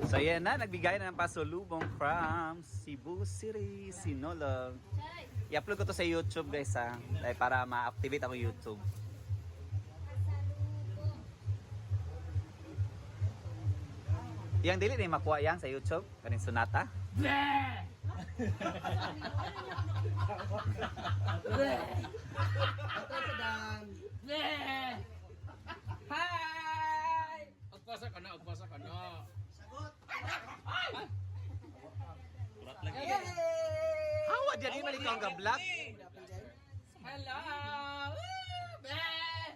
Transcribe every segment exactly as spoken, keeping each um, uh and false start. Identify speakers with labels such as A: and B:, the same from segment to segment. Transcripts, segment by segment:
A: So yan na, nagbigay na ng pasulubong from Cebu City, Sinulog. I-upload ko to sa YouTube guys ha, dahil para ma-activate ako YouTube. Yang dili na makuha yan sa YouTube, kanin Sunata.
B: Bleh! Bleh! Hi! Agpasa ka na, agpasa ka na. Sagot! Ulat lagi.
A: Hawa dyan, di balik ka ang vlog.
B: Hello! Woo! Bleh!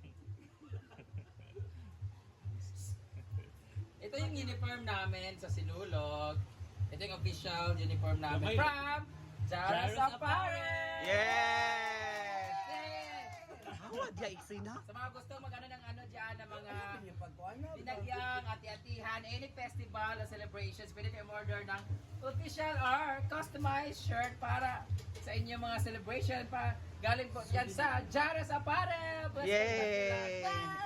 B: Ito yung uniform namin sa Sinulog. Ito yung official uniform namin from Jaras Apparel!
A: Yeah! Hawa dyan, iksi na.
B: Sa mga gusto mag-ano ng ano dyan, ng mga binagyang, ati-atihan, any festival or celebrations, pwede kayo order ng official or customized shirt para sa inyong mga celebration pa. Galing po yan sa Jaras Apparel!
A: Yay!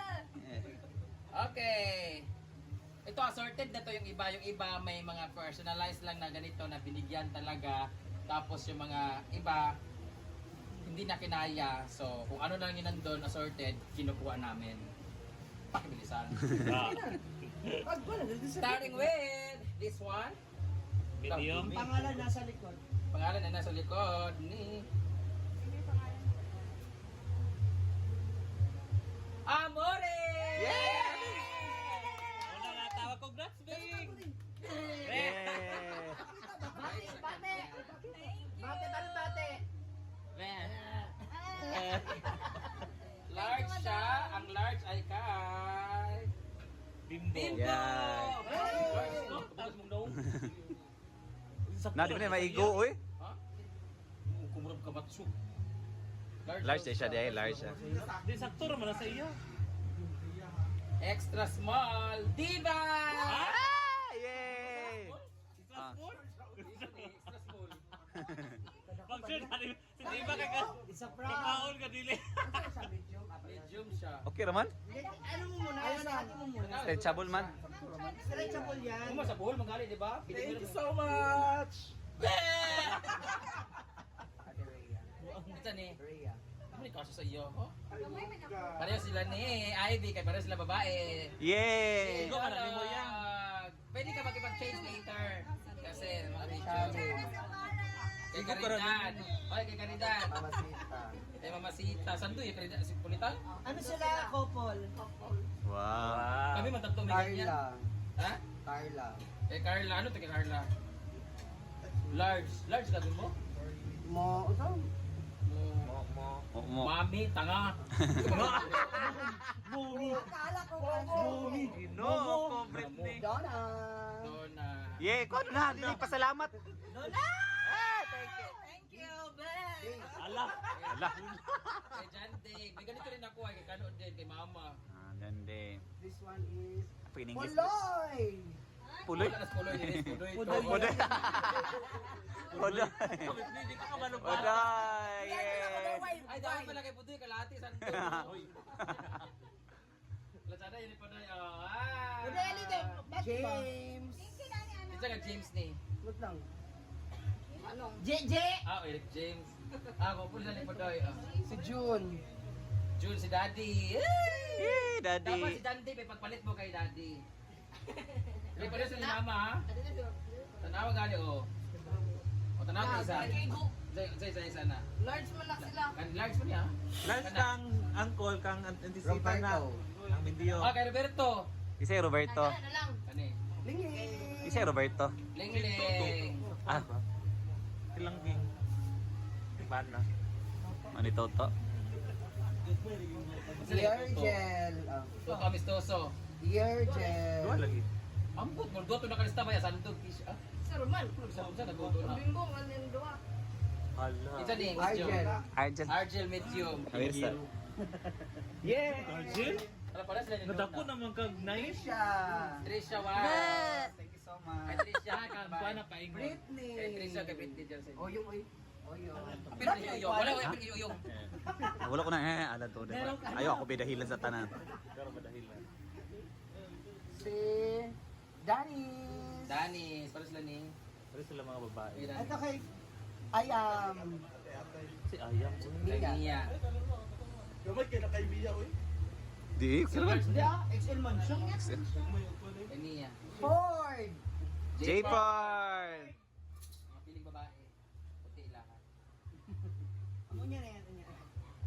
B: Okay. Ito assorted na to yung iba. Yung iba may mga personalized lang na ganito na binigyan talaga. Tapos yung mga iba hindi na kinaya. So kung ano lang yun nandun assorted, kinukuha namin. Pakibilisan. Starting with this one.
C: Medium.
D: Pangalan nasa likod.
B: Pangalan na nasa likod ni Amore!
A: Yeah!
C: Wala nga tawag. Congrats, Bing!
A: Yeah!
D: Bate, bate. Bate, bate, bate.
B: Large siya. Ang large ay kay
C: Bimbo.
B: Bimbo!
A: Yeah.
B: Large, no? Tapos mong daw.
A: Na, di ba na maigo, oy?
B: Ha? Kumurap ka matso.
A: Large na siya, di large siya.
C: Di sakto naman na sa iyo.
B: Extra small. Diva!
A: Ah! Yay! Ah.
B: Extra small.
C: Pag sure, sa iba ka ka.
D: Isa prank.
C: Kakaon ka dili.
D: Sa medium.
B: Medium siya.
A: Okay naman?
D: Ano mo muna? Ano mo muna?
A: Stretchable man.
D: Stretchable yan.
B: Kung sa buhol, magali, di ba?
D: Thank you so much.
B: Ito ni.
D: Rhea.
B: Ano ni kasi sa iyo? Oh? Pareho sila ni Ivy, kay pareho sila babae.
A: Yay!
C: Go ka na, limo yan.
B: Pwede ka makipag-change later. Kasi mga medium. Kay
C: Sigo ka
B: Caridad.
C: rin.
B: Oy, kay Caridad.
D: Mamasita.
B: Kay Mamasita. Saan doon yung Caridad? Si Pulitan?
D: Ano sila? Couple.
A: Wow!
B: Kami magtatlo may ganyan.
D: Carla.
B: Ha?
D: Carla.
B: Kay Carla. Ano to kay Carla? Large. Large ka din mo?
D: Mo, ito?
C: Mo, mo.
A: Mo, mo.
B: Mami, tanga.
C: Mumi.
D: Akala ko
C: Mumi.
A: No, complete ni.
D: Donna.
B: Doon na.
A: Yay! Ko na, dili pasalamat.
D: Donna!
A: Ah, thank you.
D: Thank you, Ben.
C: Ala.
A: Ala.
B: Kay Jante. May ganito rin ako ay kay Kano din, kay Mama.
A: Ah, ganda.
D: This one is
A: Apa in English?
D: Puloy.
A: Puloy?
B: Wala na sa puloy din. Puloy ito.
C: Puloy.
A: Puloy. Puloy.
C: Hindi ka kabalo pa.
A: Puloy. Yay!
B: Ay, dapat pala kay Putoy, kalahati. Saan ito? Lazada, yun pa na. Ah!
D: James.
B: Ito ka James ni.
D: Wait lang. Ano? J J.
B: Ah, Eric James. Ah, ako pula ni Putoy. Ah.
D: Si June.
B: June, si Daddy.
A: Yay,
B: Dapat si
A: daddy.
B: Dante, may pagpalit mo kay Daddy. May palit sa ni Mama, ha? Tanawa gali, oh. O, tanawa ka isa. Isa, isa, isa, isa na.
D: Large mo lang sila.
B: Kan large mo niya, ha?
C: Last kang angkol kang antisita na. Ang Mindio.
B: Ah, kay Roberto.
A: Isa yung Roberto.
B: Kani.
D: Lingi.
A: Isa yung Roberto.
B: Lingling.
A: Ah,
C: Ilang ging. Bana.
A: ano ito to?
D: Dear Gel. Ah.
B: Toto amistoso.
D: Dear Gel.
C: Dua lagi.
B: Ambot, morgoto na kalista ba ya? Sandog, fish, ah?
D: Sa Roman.
B: Sa unsa nagoto na.
D: Bimbo, manin doa.
C: Hala.
B: Isa ni,
D: Argel.
B: medium.
A: Argent.
B: Argel medium.
A: Kamirsa.
C: Yeah. Arjun?
B: Ano pala sila ni
C: Nadako naman kag nice.
D: Trisha.
B: Trisha, wow.
D: Thank you so much.
B: Kay Trisha, kay
C: Kuha na paingon.
D: Britney.
B: Kay Trisha, kay Britney dyan sa inyo.
D: Oh, yung oy. Oh, yung.
B: Pero yung wala ko yung yung.
A: Wala ko na eh, alam to. Diba? Ayaw ako bidahilan sa tanan.
C: Pero madahilan.
D: Si Danny.
B: Dani, para sila ni.
C: Pero sila mga babae.
B: Kay Dani.
D: Ito kay I am
C: Si Ayam. uy.
B: Kay Nia.
A: Di, kailan?
D: Hindi ah, X L man siya.
B: Kay Nia.
D: Ford!
A: J-Ford!
B: Mga piling babae. Puti lahat.
D: Ano niya na yan? Ano niya?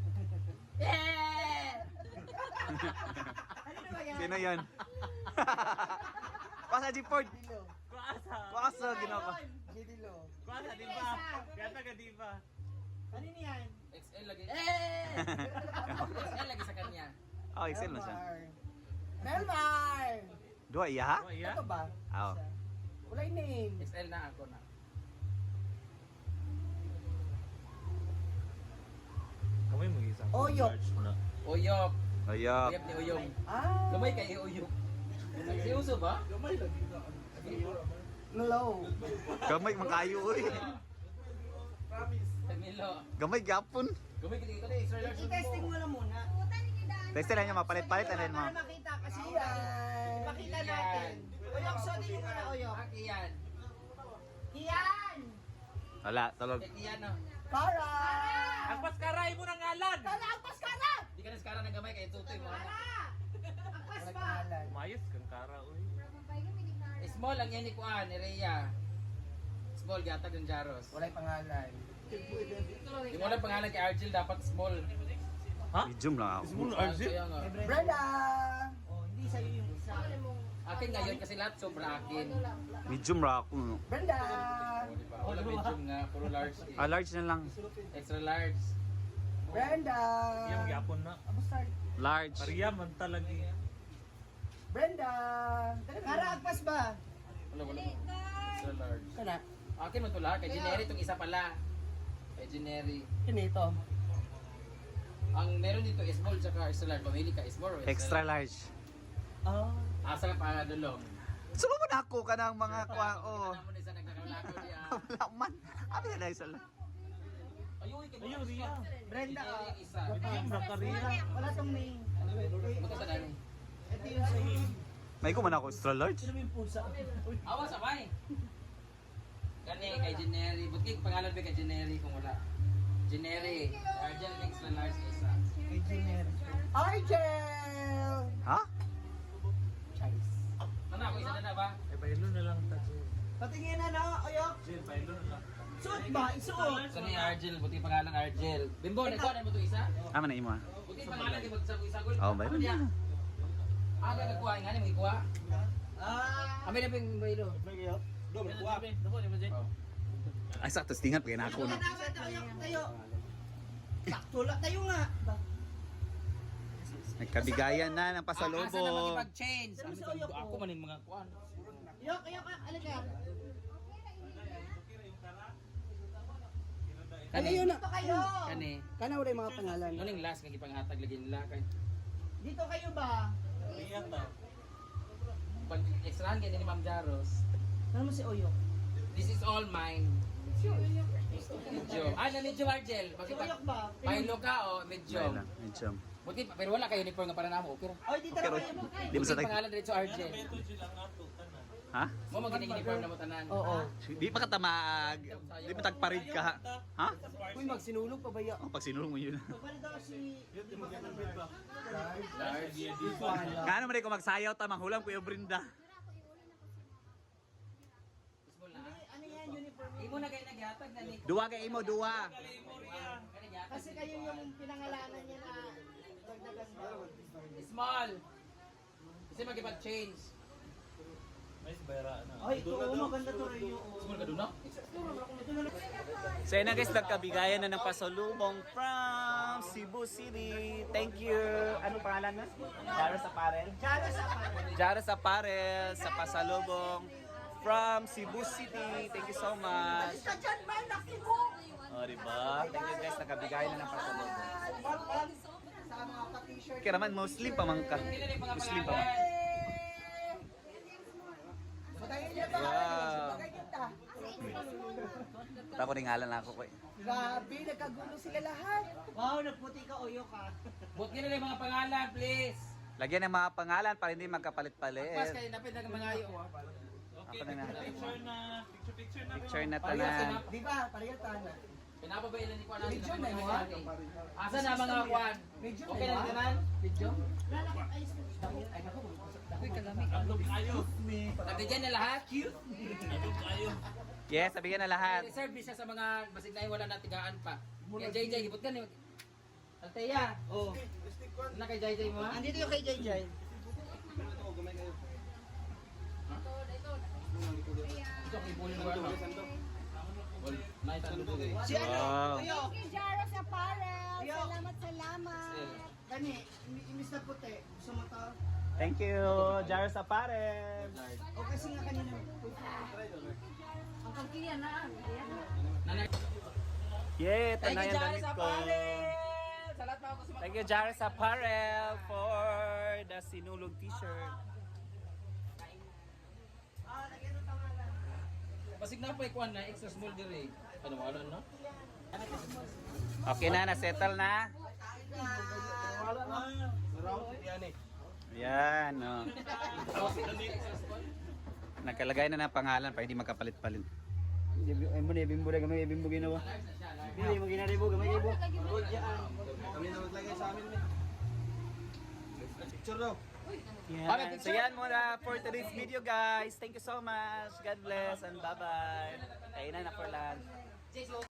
D: Ano na ba yan?
A: Sino yan? Pasa J-Ford!
D: Dilo.
C: Kuasa.
A: Kuasa, ginawa.
D: Dilo.
C: Kuasa, di ba? Kaya taga di ba?
D: Ano niyan?
B: X L lagi.
D: Eh!
B: X L lagi sa kanya.
A: Oh, Excel na siya.
D: Melmar!
A: Dua iya ha?
C: Oh, iya?
D: Ito ba?
A: Oo.
D: Wala yung name.
B: X L na ako na.
C: Kamay mo isang
D: Oyok.
C: large na.
B: Uyok.
A: Ayop.
B: Uyok ni Uyong.
D: Ah!
B: Gamay kay Uyok. Si Uso ba?
D: Hello.
A: Gamay man kayo uy.
B: Camilo.
A: Gamay gapon.
B: Gamay kay ito na extra large.
D: I-testing mo na muna.
A: Testin lang niya mapalit-palit ano mo.
D: Para makita kasi yan. Ipakita natin. Oyok, suotin mo muna, Oyok.
B: Aki yan.
D: Kian!
A: Wala, tulog.
B: Kay Kian no.
D: Para!
C: Agpas karay mo ng ngalan!
D: Para! Agpas ka na!
B: Di ka na skara ng gamay kay Tutoy mo. ano?
D: Agpas
B: Wala
D: pa!
B: pangalan.
C: Umayos kang kara, uy.
B: Small ang yan ni Kuan, ni Rhea. Small, gatag ng Jaros.
D: Wala yung pangalan.
B: Yung walang pangalan kay Argel, dapat small.
C: Ha?
A: Medium lang ako.
C: Small
B: Ah,
C: Arjun?
B: kaya nga.
D: Brenda! Oh, hindi sa'yo yung isa.
B: Akin ngayon kasi lahat sobra akin.
A: Medium ra ako. no?
D: Brenda!
B: O, di ba? Wala medium nga, puro large. eh.
A: Ah, large na lang.
B: Extra large.
D: Brenda!
C: Yung yapon na.
D: Abo start.
A: Large.
C: Maria man talaga.
D: Brenda! Kara, agpas ba?
B: Wala, wala. Extra large.
D: Kana.
B: Akin mo ito lahat. Kay Jeneri itong isa pala. Kay Jeneri.
D: Kinito.
B: Ang meron dito is small tsaka extra large. Pamili ka small or
A: Extra large.
D: Oh.
B: Asa ka pa dulong.
A: Sumo mo na ako ka ng mga kwa oh.
B: Ano mo na isa nagkakalako niya.
A: Wala man. Abi na dahil sa
B: Ayun, kay
C: Ayun, Ria.
D: Brenda ka.
B: Jeneri isa.
C: Medium ra ka, Ria.
D: Wala tong name.
B: Buto sa nani.
D: Ito yung sa'yo.
A: May ko man ako extra large.
D: Sino yung pulsa?
B: Awas abay. Kani kay Jeneri. Buti pangalan ba kay Jeneri kung wala. Jeneri. Argel extra large isa.
D: Kay Jenner. Argel!
A: Ha?
D: Charis.
B: Ano ako isa na na ba?
C: Eh, baylo na lang ta.
D: Patingin na no, Oyok.
C: Jill, baylo na lang.
D: Suot ba? Isuot.
B: Sa ni Argel, buti pangalan Argel. Bimbo, nagkuha na mo to isa?
A: Ama na imo. ah.
B: Buti pangalan di magsagol-sagol.
A: Oh, baylo
B: Ano niya?
A: na.
B: Ah, may nagkuha nga ni mo ikuha.
D: Ah!
B: Kami na ping baylo. Oh.
A: Ay sakto tingat kay na ako no.
D: Dapat Oyok tayo. Sakto lang tayo nga.
A: Nagkabigayan na ng
B: Ah, asa na
A: pasalubong.
B: makipag-change?
D: Ano
B: Ano
D: sa
B: sa
D: uyok
B: ako
D: mo?
B: man yung mga kuan.
D: Oyok, Oyok, alaga.
B: Kani
D: yun na. Dito kayo.
B: Kani.
D: Kana wala yung mga pangalan.
B: Ano yung last nga gipanghatag lagi nila kay
D: Dito kayo ba?
C: Ria ta.
B: pag extrahan kay ni Ma'am Jaros.
D: Ano mo si Oyok?
B: This is all mine. Medyo. Ah, na medyo Argel.
D: Si
B: Makipag
D: Oyok ba?
B: Pailo ka o medyo.
A: Baylo. Medium.
B: Buti pa, pero wala kayo uniform nga para namo. Okay ra.
D: Oy, dito
A: Okay,
D: na
A: Roy.
D: kayo.
A: Di mo
B: Buti
A: sa tag...
B: pangalan dito Argel.
C: Ito Jill ang ato. Kana.
A: Ha?
B: Mo maging uniform na mo tanan.
D: Oo.
A: Di pa ka tamag. Di pa tagparid ka. ha? Ha?
D: Uy, magsinulog pa ba ya?
A: Oh, pag sinulong mo yun.
D: Pwede daw si...
B: Large.
A: Nga naman rin kung magsayaw ta, manghulam ko yung Brinda.
B: Small na.
D: Ano yan, uniform?
B: Imo na kayo naghatag na ni.
A: Duwa kay imo, duwa.
D: Kasi kayo yung pinangalanan niya na dagdagan daw.
B: Small. Kasi magipag-change.
C: May bayra na.
D: Ay, ito, oh, maganda to rin yung...
B: Small ka doon, no?
A: So yun na guys, nagkabigayan na ng pasalubong from Cebu City. Thank you. Anong pangalan na? Jaros Apparel.
D: Jalo sa pa.
A: Jaros Apparel sa pasalubong from Cebu City. Thank you so much.
D: Ka dyan, man, nakibo!
A: O, diba? Thank you guys, nagkabigayan na ng pasalubong.
D: Sa mga pa-t-shirt.
A: Kaya naman, Muslim pa man ka.
B: Hindi na yung mga
A: Muslim pa man.
B: pangalan.
D: Patayin niya ba?
A: Wow.
D: Pagay kita.
A: Tapos ringalan na ako ko eh.
D: Grabe, nagkagulo sila lahat. Wow, nagputi ka, Oyok ha.
B: Buti na lang yung mga pangalan, please.
A: Lagyan ng mga pangalan para hindi
B: Pas
A: magkapalit-palit.
B: kayo, dapat na mga ayo.
A: Ako na na.
C: Picture na. Picture, picture na.
A: Picture na
B: Parehas
A: tanan.
B: na.
D: Di ba? Parehatan.
B: Pinapabailan ni Kwan natin.
D: Medyo na yun, ha?
B: Asa na mga Kwan?
D: Medyo
B: Okay na
D: na,
B: tanan?
D: Video?
B: Ay, naku.
C: Andog kayo.
B: Nabigyan na lahat?
C: Andog kayo.
A: Yes, sabihin na lahat.
B: Reserve ni siya sa mga basig na wala na tigaan pa. Yan, J J, gipot ka ni. Alteya. Oh. Na kay J J mo ha?
D: Andito yung kay Jay Jay.
B: Ito kay Bully World. Nice and good.
D: Si ano?
A: Wow.
D: Kuya,
E: Thank you, Jaro sa Parel. Salamat, salamat.
D: Kani, imi- imis na puti. Gusto mo to?
A: Thank you, Jar sa Pares.
D: O kasi nga kanina.
E: Ang pagkiyan na.
B: Nanay.
A: Yeah,
B: Thank
A: tanay
B: you,
A: ang
B: Jaro
A: damit
B: sa
A: ko.
B: Parel. Salat pa ako sa
A: Thank you, Jar sa Parel for the sinulog t-shirt.
B: Basig na pa ikuan na extra small dire. Ano wala no?
A: Okay na, na-settle na.
C: Wala na. Round yan eh.
A: Yan, no. Nakalagay na ng pangalan para hindi magkapalit-palit.
D: Ay mo na, ibimbo na gamay, ibimbo ginawa. Hindi mo ginaribo, gamay ibo.
C: Kami na maglagay sa amin eh. Picture daw.
A: Yan. So yan muna for today's video, guys. Thank you so much. God bless and bye-bye. Kainan na for lunch.